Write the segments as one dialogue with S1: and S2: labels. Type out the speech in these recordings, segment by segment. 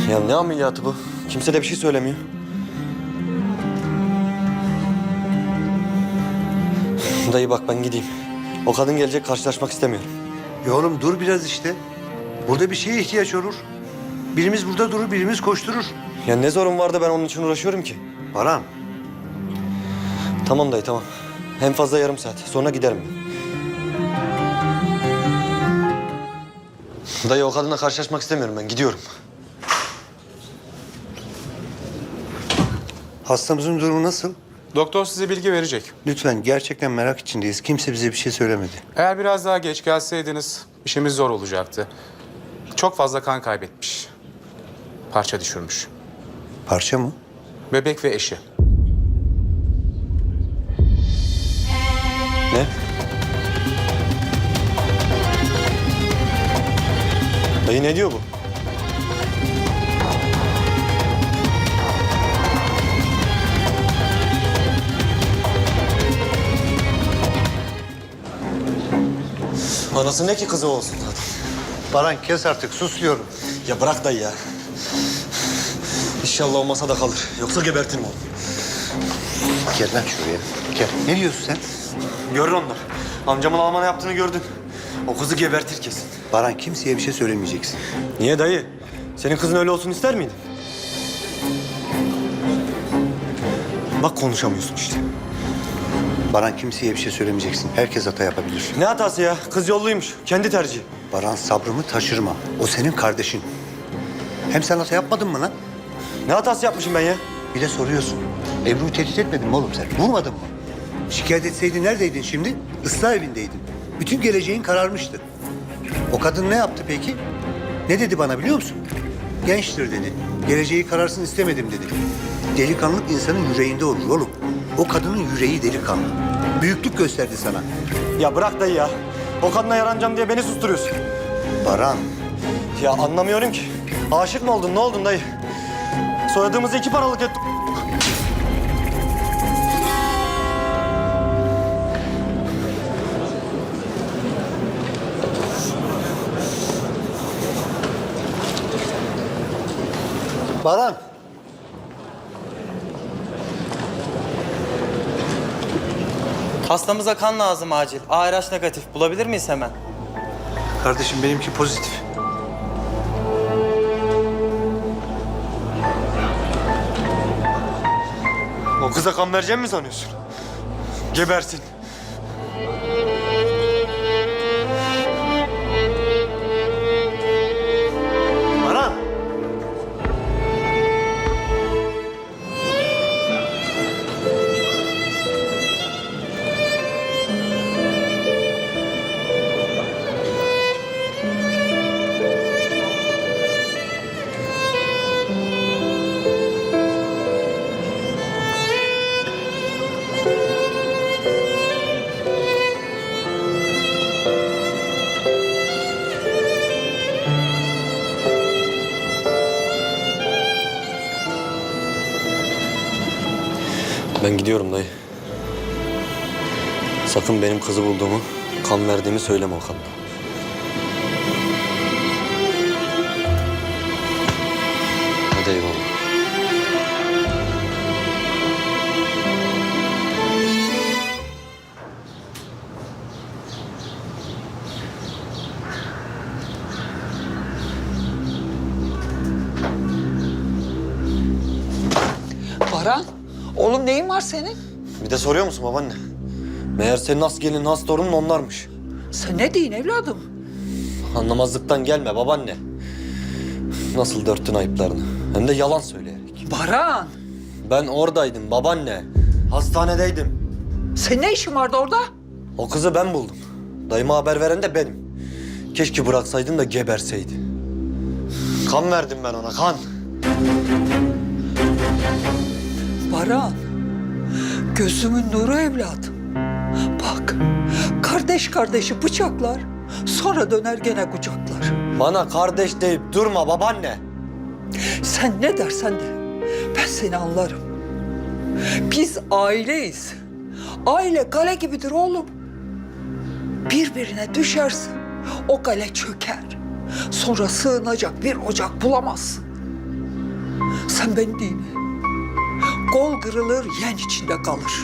S1: Ya ne ameliyatı bu? Kimse de bir şey söylemiyor. Dayı bak ben gideyim. O kadın gelecek, karşılaşmak istemiyorum.
S2: Ya oğlum dur biraz işte. Burada bir şeye ihtiyaç olur. Birimiz burada durur, birimiz koşturur.
S1: Ya ne zorun var da ben onun için uğraşıyorum ki?
S2: Baran,
S1: Tamam dayı tamam. En fazla yarım saat. Sonra giderim ben. Dayı o kadınla karşılaşmak istemiyorum ben. Gidiyorum.
S2: hastamızın durumu nasıl?
S3: Doktor size bilgi verecek.
S2: Lütfen, gerçekten merak içindeyiz. Kimse bize bir şey söylemedi.
S3: Eğer biraz daha geç gelseydiniz işimiz zor olacaktı. Çok fazla kan kaybetmiş. Parça düşürmüş.
S2: Parça mı?
S3: Bebek ve eşi.
S1: Ne? Dayı ne diyor bu? Anası ne ki kızı olsun zaten.
S2: Baran kes artık, sus diyorum.
S1: Ya bırak dayı ya. İnşallah o masada kalır. Yoksa gebertirim onu.
S2: Gel lan şuraya. Gel. Ne diyorsun sen?
S1: Görür onlar. Amcamın Alman'a yaptığını gördün. O kızı gebertir kesin.
S2: Baran, kimseye bir şey söylemeyeceksin.
S1: Niye dayı? Senin kızın öyle olsun ister miydin? Bak konuşamıyorsun işte.
S2: Baran, kimseye bir şey söylemeyeceksin. Herkes hata yapabilir.
S1: Ne hatası ya? Kız yolluymuş. Kendi tercihi.
S2: Baran, sabrımı taşırma. O senin kardeşin. Hem sen hata yapmadın mı lan?
S1: Ne hatası yapmışım ben ya?
S2: Bir de soruyorsun. Ebru'yu tehdit etmedin mi oğlum sen? Vurmadın mı? Şikayet etseydin neredeydin şimdi? Islah evindeydin. Bütün geleceğin kararmıştı. O kadın ne yaptı peki? Ne dedi bana biliyor musun? Gençtir dedi. Geleceği kararsın istemedim dedi. Delikanlılık insanın yüreğinde olur oğlum. O kadının yüreği delikanlı. Büyüklük gösterdi sana.
S1: Ya bırak dayı ya. O kadına yaranacağım diye beni susturuyorsun.
S2: Baran,
S1: Ya anlamıyorum ki. Aşık mı oldun? Ne oldun dayı? Soyadığımızı 2 paralık et.
S2: Baran.
S4: Hastamıza kan lazım acil. ARH negatif. Bulabilir miyiz hemen?
S2: Kardeşim benimki pozitif.
S1: O kıza kan vereceğim mi sanıyorsun? Gebersin. Baran. Ben gidiyorum dayı. Sakın benim kızı bulduğumu, kan verdiğimi söyleme o kadına. Hadi eyvallah.
S5: Baran, oğlum neyin var senin?
S1: Bir de soruyor musun babaanne? Meğer senin has gelin, has torunun onlarmış.
S5: Sen ne deyin evladım?
S1: Anlamazlıktan gelme babaanne. Nasıl dörttün ayıplarını? Hem de yalan söyleyerek.
S5: Baran,
S1: Ben oradaydım babaanne. Hastanedeydim.
S5: senin ne işin vardı orada?
S1: O kızı ben buldum. Dayıma haber veren de benim. Keşke bıraksaydın da geberseydi. Kan verdim ben ona, kan.
S5: Baran, gözümün nuru evladım. Bak, kardeş kardeşi bıçaklar, sonra döner gene kucaklar.
S1: Bana kardeş deyip durma babaanne.
S5: Sen ne dersen de, ben seni anlarım. Biz aileyiz. Aile kale gibidir oğlum. Birbirine düşersin, o kale çöker. Sonra sığınacak bir ocak bulamazsın. Sen ben değil mi? Kol kırılır, yen içinde kalır.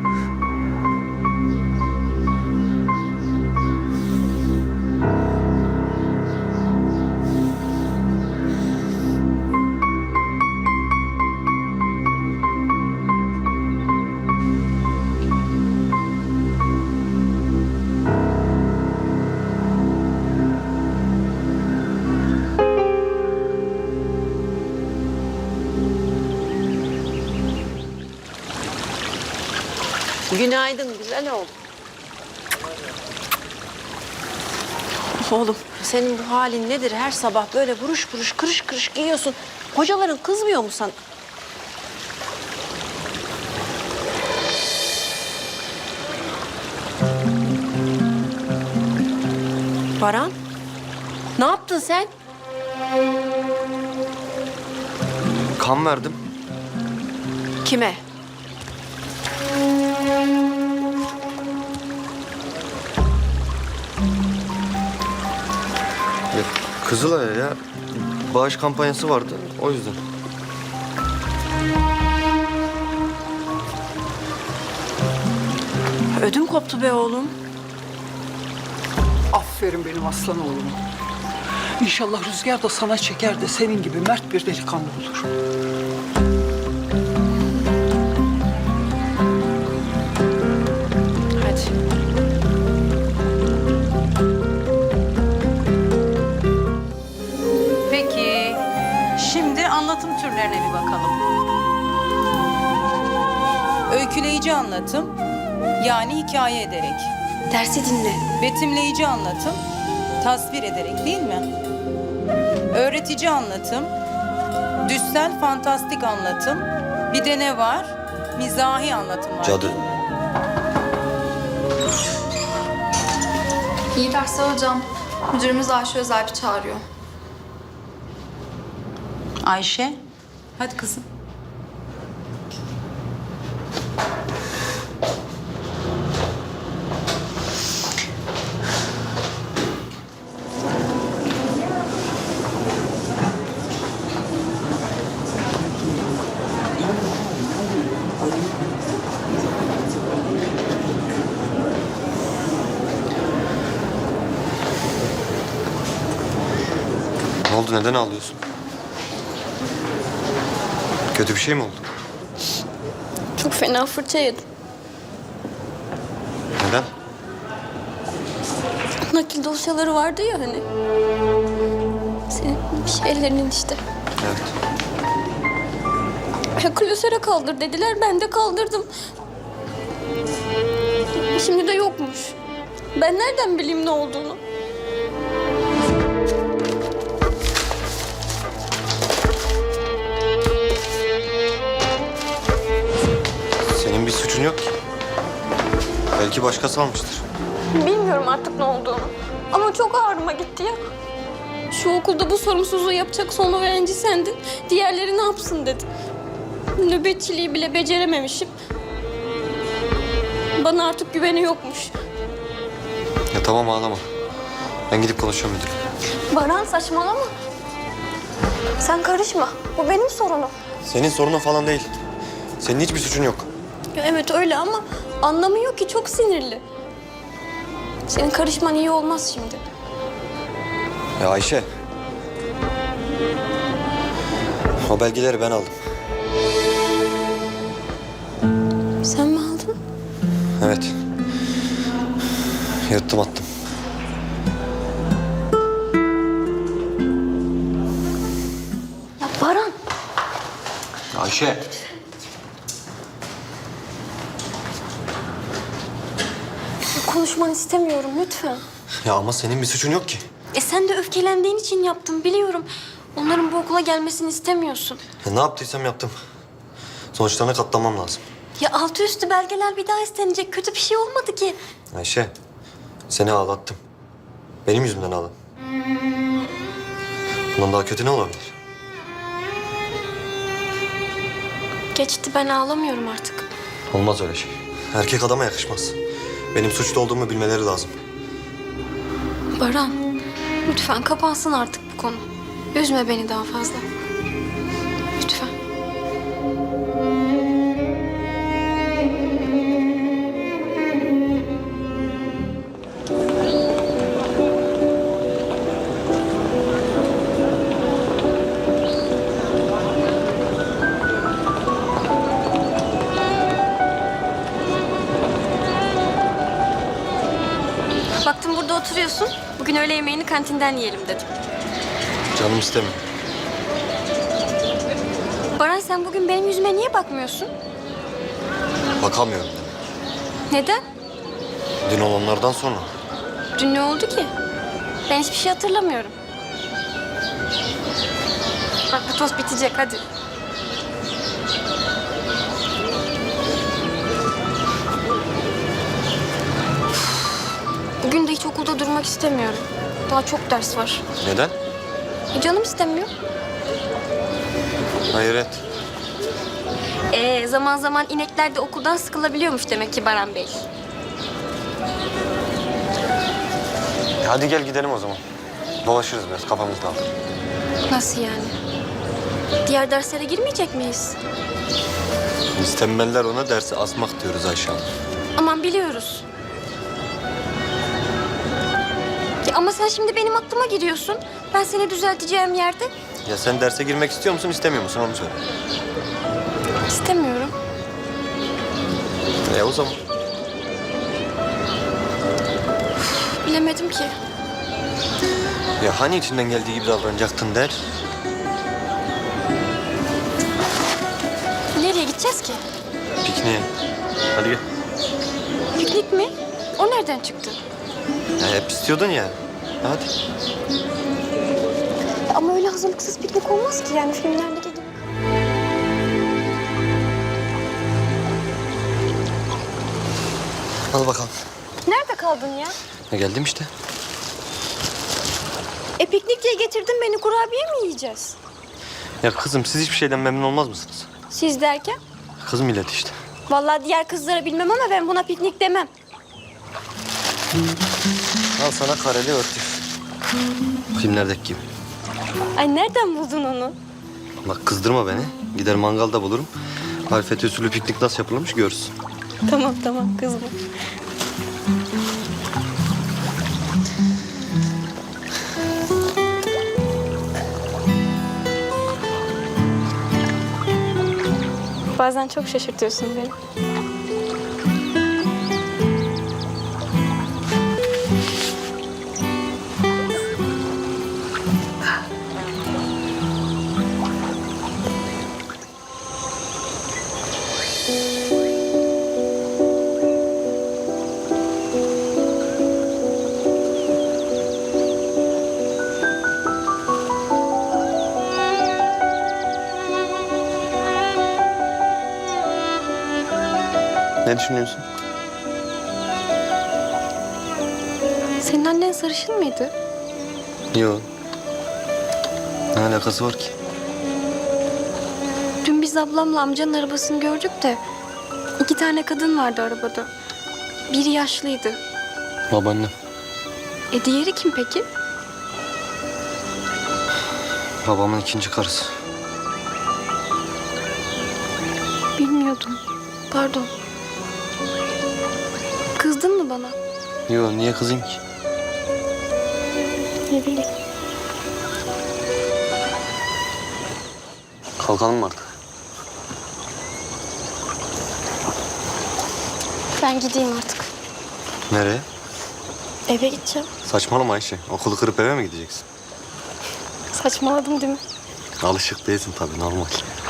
S6: Günaydın güzel oğlum. Oğlum senin bu halin nedir? Her sabah böyle buruş buruş kırış kırış giyiyorsun. Hocaların kızmıyor mu sana? Baran, ne yaptın sen?
S1: Kan verdim.
S6: Kime?
S1: Ya, Kızılay'a ya. Bağış kampanyası vardı. O yüzden.
S6: Ödüm koptu be oğlum.
S5: Aferin benim aslan oğluma. İnşallah Rüzgar da sana çeker de senin gibi mert bir delikanlı olur.
S6: Hadi.
S7: Peki, şimdi anlatım türlerine bir bakalım. Öyküleyici anlatım, yani hikaye ederek.
S6: Dersi dinle.
S7: Betimleyici anlatım, tasvir ederek değil mi? Öğretici anlatım, düşsel fantastik anlatım, bir de ne var? Mizahi anlatım var.
S1: Cadı.
S8: İyi dersler hocam. Müdürümüz Ayşe Özalp'i çağırıyor.
S7: Ayşe, hadi kızım.
S1: Ne oldu? Neden ağlıyorsun? Kötü bir şey mi oldu?
S8: Çok fena fırça yedim.
S1: Neden?
S8: Nakil dosyaları vardı ya hani. Senin şeylerinin işte.
S1: Evet.
S8: Ya klasöre kaldır dediler, ben de kaldırdım. Şimdi de yokmuş. Ben nereden bileyim ne olduğunu?
S1: Senin bir suçun yok ki. Belki başkası almıştır.
S8: Bilmiyorum artık ne olduğunu. Ama çok ağrıma gitti ya. Şu okulda bu sorumsuzluğu yapacak son öğrenci sendin. Diğerleri ne yapsın dedi. Nöbetçiliği bile becerememişim. Bana artık güveni yokmuş.
S1: Ya tamam ağlama. Ben gidip konuşacağım müdürle.
S8: Baran saçmalama. Sen karışma. Bu benim sorunum.
S1: Senin sorunun falan değil. Senin hiçbir suçun yok.
S8: Ya evet öyle ama anlamıyor ki, çok sinirli. Senin karışman iyi olmaz şimdi.
S1: Ya Ayşe. O belgeleri ben aldım.
S8: Sen mi aldın?
S1: Evet. Yırttım attım.
S8: Ya Baran.
S1: Ayşe.
S8: Konuşmanı istemiyorum lütfen.
S1: Ya ama senin bir suçun yok ki.
S8: Sen de öfkelendiğin için yaptım biliyorum. Onların bu okula gelmesini istemiyorsun.
S1: Ya ne yaptıysam yaptım. Sonuçlarına katlanmam lazım.
S8: Ya altı üstü belgeler bir daha istenecek. Kötü bir şey olmadı ki.
S1: Ayşe. Seni ağlattım. Benim yüzümden ağladın. Bundan daha kötü ne olabilir?
S8: Geçti, ben ağlamıyorum artık.
S1: Olmaz öyle şey. Erkek adama yakışmaz. Benim suçlu olduğumu bilmeleri lazım.
S8: Baran, lütfen kapansın artık bu konu. Üzme beni daha fazla. Lütfen. burada oturuyorsun. Bugün öğle yemeğini kantinden yiyelim dedim.
S1: Canım istemiyor.
S8: Baran sen bugün benim yüzüme niye bakmıyorsun?
S1: Bakamıyorum.
S8: Neden?
S1: Dün olanlardan sonra.
S8: Dün ne oldu ki? Ben hiçbir şey hatırlamıyorum. Bak bu tost bitecek hadi. Bugün de hiç okulda durmak istemiyorum. Daha çok ders var.
S1: Neden?
S8: Canım istemiyor.
S1: Hayret.
S8: Zaman zaman inekler de okuldan sıkılabiliyormuş demek ki Baran Bey.
S1: Hadi gel gidelim o zaman. Dolaşırız biraz, kafamız dağılır.
S8: Nasıl yani? Diğer derslere girmeyecek miyiz?
S1: Biz tembeller ona dersi asmak diyoruz Ayşe Hanım.
S8: Aman biliyoruz. Ya ama sen şimdi benim aklıma giriyorsun. Ben seni düzelteceğim yerde
S1: Ya sen derse girmek istiyor musun, istemiyor musun onu söyle.
S8: istemiyorum.
S1: O zaman.
S8: Bilemedim ki.
S1: Ya hani içinden geldiği gibi davranacaktın der.
S8: Nereye gideceğiz ki?
S1: Pikniğe. Hadi gel.
S8: Piknik mi? O nereden çıktı?
S1: Ya hep istiyordun ya. Hadi.
S8: Ama öyle hazırlıksız piknik olmaz ki yani filmlerdeki gibi.
S1: Al bakalım.
S8: Nerede kaldın ya?
S1: Ya geldim işte.
S8: Piknik diye getirdin beni, kurabiye mi yiyeceğiz?
S1: Ya kızım siz hiçbir şeyden memnun olmaz mısınız?
S8: Siz derken?
S1: Kız millet işte.
S8: Vallahi diğer kızlara bilmem ama ben buna piknik demem.
S1: Al sana kareli örtü. Filmlerdeki gibi.
S8: Ay nereden buldun onu?
S1: Bak kızdırma beni. Gider mangalda bulurum. Marifet usulü piknik nasıl yapılmış görsün.
S8: Tamam kızma. Bazen çok şaşırtıyorsun beni.
S1: Ne düşünüyorsun?
S8: Senin annen sarışın mıydı?
S1: Yok. Ne alakası var ki?
S8: Dün biz ablamla amcanın arabasını gördük de 2 tane kadın vardı arabada. Biri yaşlıydı.
S1: Babaannem.
S8: Diğeri kim peki?
S1: Babamın ikinci karısı.
S8: Bilmiyordum. Pardon. Kızdın mı bana?
S1: Yok niye kızayım ki?
S8: Ne bileyim.
S1: Kalkalım mı artık?
S8: Ben gideyim artık.
S1: Nereye?
S8: Eve gideceğim.
S1: Saçmalama Ayşe. Okulu kırıp eve mi gideceksin?
S8: Saçmaladım değil mi?
S1: Alışık değilsin tabii normal.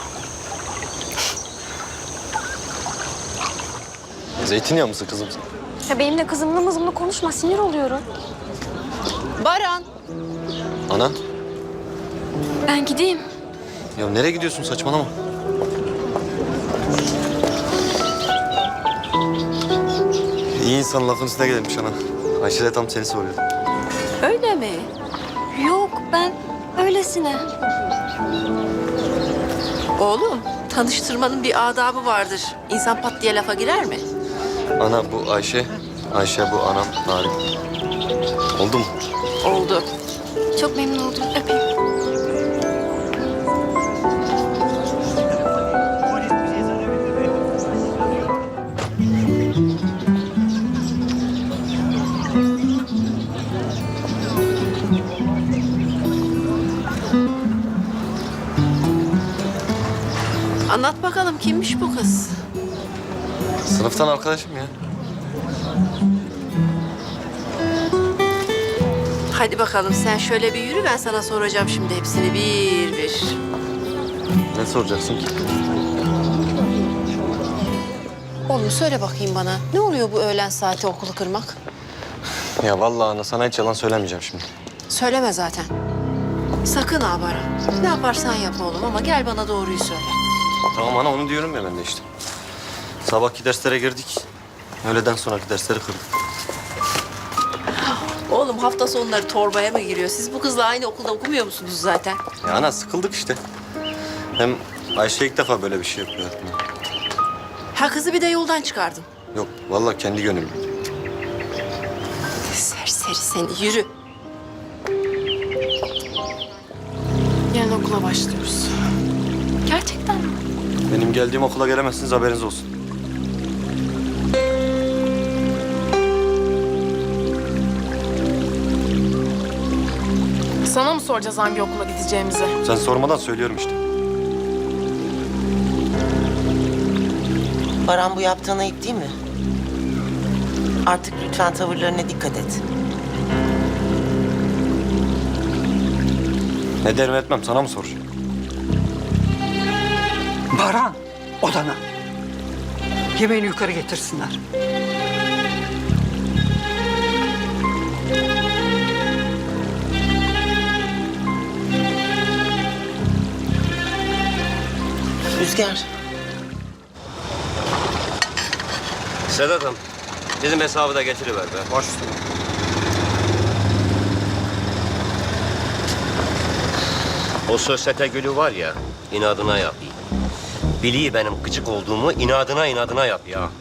S1: Zeytinyağı mısın kızım sen?
S8: Ya benimle kızımla mızımla konuşma, sinir oluyorum.
S7: Baran.
S1: Ana.
S8: Ben gideyim.
S1: Ya nereye gidiyorsun saçmalama. İyi insan lafın üstüne gelmiş ana. Ayşe de tam seni soruyordu.
S6: Öyle mi?
S8: Yok, ben öylesine.
S6: Oğlum, tanıştırmanın bir adabı vardır. İnsan pat diye lafa girer mi?
S1: Ana bu Ayşe. Ayşe bu anam Narin. Oldu mu?
S6: Oldu.
S8: Çok memnun oldum. Öpeyim.
S6: Anlat bakalım kimmiş bu kız?
S1: Sınıftan arkadaşım ya.
S6: Hadi bakalım sen şöyle bir yürü, ben sana soracağım şimdi hepsini bir bir.
S1: Ne soracaksın ki?
S6: Oğlum söyle bakayım bana, ne oluyor bu öğlen saati okulu kırmak?
S1: Ya vallahi ana sana hiç yalan söylemeyeceğim şimdi.
S6: Söyleme zaten. Sakın ha Baran. Ne yaparsan yap oğlum ama gel bana doğruyu söyle.
S1: Tamam ana onu diyorum ya ben de işte. Sabahki derslere girdik. Öğleden sonraki dersleri kırdık.
S6: Oğlum hafta sonları torbaya mı giriyor? Siz bu kızla aynı okulda okumuyor musunuz zaten?
S1: Ya ana sıkıldık işte. Hem Ayşe ilk defa böyle bir şey yapıyor hayatımda.
S6: Ha kızı bir de yoldan çıkardın.
S1: Yok vallahi kendi gönlüm.
S6: Serseri seni, yürü. Yarın okula başlıyoruz. Gerçekten mi?
S1: Benim geldiğim okula gelemezsiniz haberiniz olsun.
S9: Sana mı soracağız hangi okula gideceğimizi?
S1: Sen sormadan söylüyorum işte.
S10: Baran bu yaptığın ayıp değil mi? Artık lütfen tavırlarına dikkat et.
S1: Ne derim etmem sana mı soracağım?
S5: Baran, odana. Yemeğini yukarı getirsinler.
S10: Rüzgar,
S11: Sedat'ım, bizim hesabı da getiriver be. Baş üstüne. O sosyete gülü var ya, inadına yap. Biliyor benim gıcık olduğumu, inadına yap ya.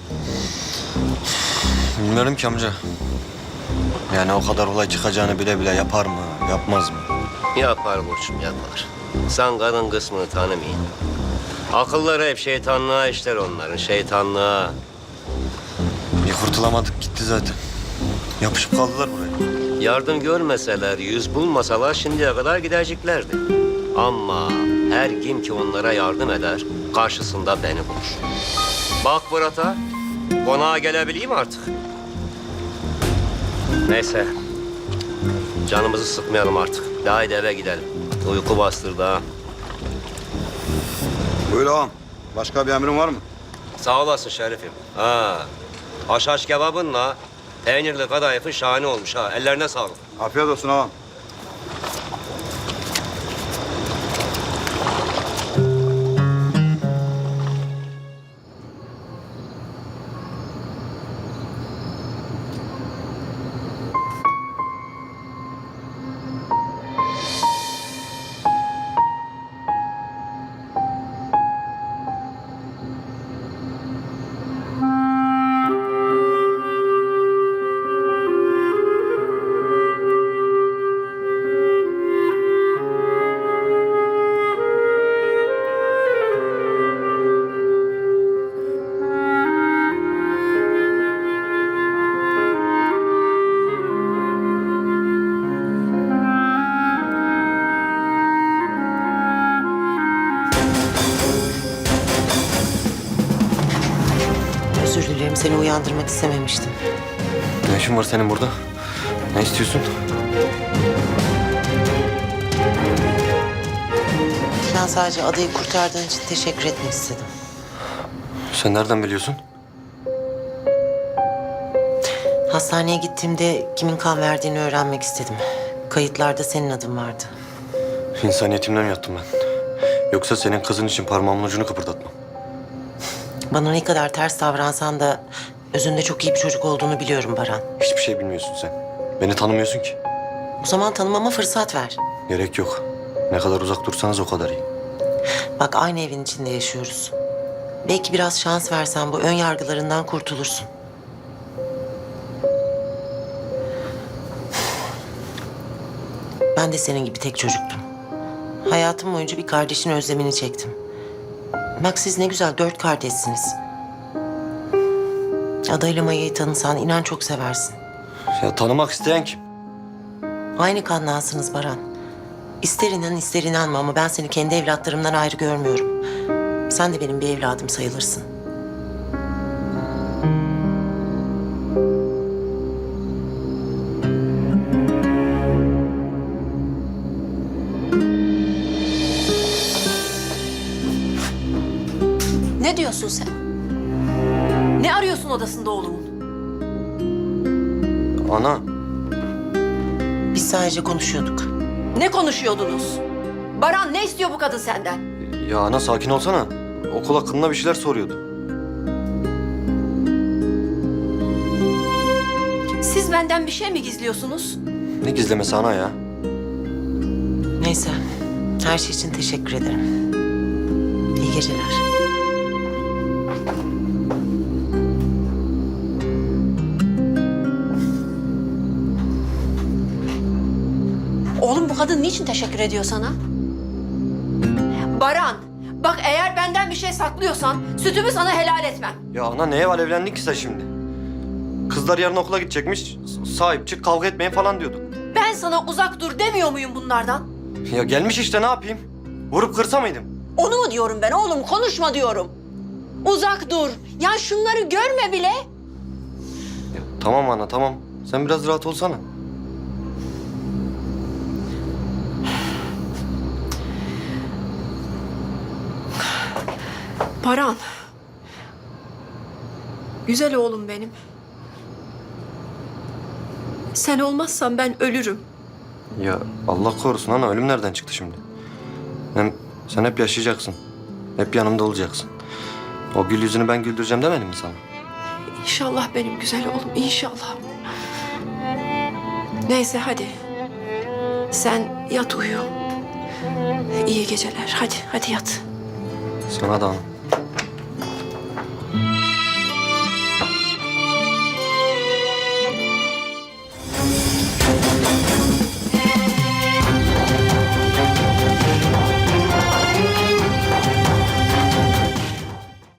S1: Bilmiyorum ki amca. Yani o kadar olay çıkacağını bile bile yapar mı, yapmaz mı?
S11: Yapar Burçum, yapar. Sen kadın kısmını tanımayın. Akılları hep şeytanlığa işler onların, şeytanlığa.
S1: Bir kurtulamadık gitti zaten. Yapışıp kaldılar buraya.
S11: Yardım görmeseler, yüz bulmasalar şimdiye kadar gideceklerdi. Ama her kim ki onlara yardım eder, karşısında beni bulur. Bak Fırat'a, konağa gelebileyim artık. Neyse, canımızı sıkmayalım artık. Haydi eve gidelim. Uyku bastırdı ha.
S12: Buyur ağam. Başka bir emrin var mı?
S11: Sağ olasın Şerif'im. Ha, haşhaş kebabınla peynirli kadayıfın şahane olmuş ha. Ellerine sağlık.
S12: Afiyet olsun ağam.
S10: özür dilerim seni uyandırmak istememiştim.
S1: Ne işin var senin burada? Ne istiyorsun?
S10: Ben sadece adayı kurtardığın için teşekkür etmek istedim.
S1: Sen nereden biliyorsun?
S10: Hastaneye gittiğimde kimin kan verdiğini öğrenmek istedim. Kayıtlarda senin adın vardı.
S1: İnsaniyetimden mi yattım ben? Yoksa senin kızın için parmağımın ucunu kıpırdatmam.
S10: Bana ne kadar ters davransan da özünde çok iyi bir çocuk olduğunu biliyorum Baran.
S1: Hiçbir şey bilmiyorsun sen. Beni tanımıyorsun ki.
S10: O zaman tanımama fırsat ver.
S1: Gerek yok. Ne kadar uzak dursanız o kadar iyi.
S10: Bak aynı evin içinde yaşıyoruz. Belki biraz şans versen bu ön yargılarından kurtulursun. Ben de senin gibi tek çocuktum. Hayatım boyunca bir kardeşin özlemini çektim. Bak siz ne güzel 4 kardeşsiniz. Adayla Maya'yı tanısan inan çok seversin.
S1: Ya tanımak isteyen kim?
S10: Aynı kanlansınız Baran. İster inan ister inanma ama ben seni kendi evlatlarımdan ayrı görmüyorum. Sen de benim bir evladım sayılırsın.
S6: Ne diyorsun sen? Ne arıyorsun odasında oğlumun?
S1: Ana,
S10: Biz sadece konuşuyorduk.
S6: Ne konuşuyordunuz? Baran ne istiyor bu kadın senden?
S1: ya ana sakin olsana. Okul hakkında bir şeyler soruyordu.
S6: Siz benden bir şey mi gizliyorsunuz?
S1: Ne gizlemesi ana ya?
S10: Neyse, her şey için teşekkür ederim. İyi geceler.
S6: Oğlum bu kadın niçin teşekkür ediyor sana? Baran, bak eğer benden bir şey saklıyorsan sütümü sana helal etmem.
S1: Ya ana neye var evlendin ki sen şimdi? Kızlar yarın okula gidecekmiş. Sahip çık kavga etmeyin falan diyorduk.
S6: Ben sana uzak dur demiyor muyum bunlardan?
S1: Ya gelmiş işte ne yapayım? Vurup kırsa mıydım?
S6: Onu mu diyorum ben oğlum? Konuşma diyorum. Uzak dur. Ya şunları görme bile.
S1: Ya, tamam ana tamam. Sen biraz rahat olsana.
S6: Baran. Güzel oğlum benim. Sen olmazsan ben ölürüm.
S1: Ya Allah korusun ana ölüm nereden çıktı şimdi? Hem sen hep yaşayacaksın. Hep yanımda olacaksın. O gül yüzünü ben güldüreceğim demedim mi sana?
S6: İnşallah benim güzel oğlum, inşallah. Neyse hadi. Sen yat uyu. İyi geceler. Hadi yat.
S1: Sana da ana.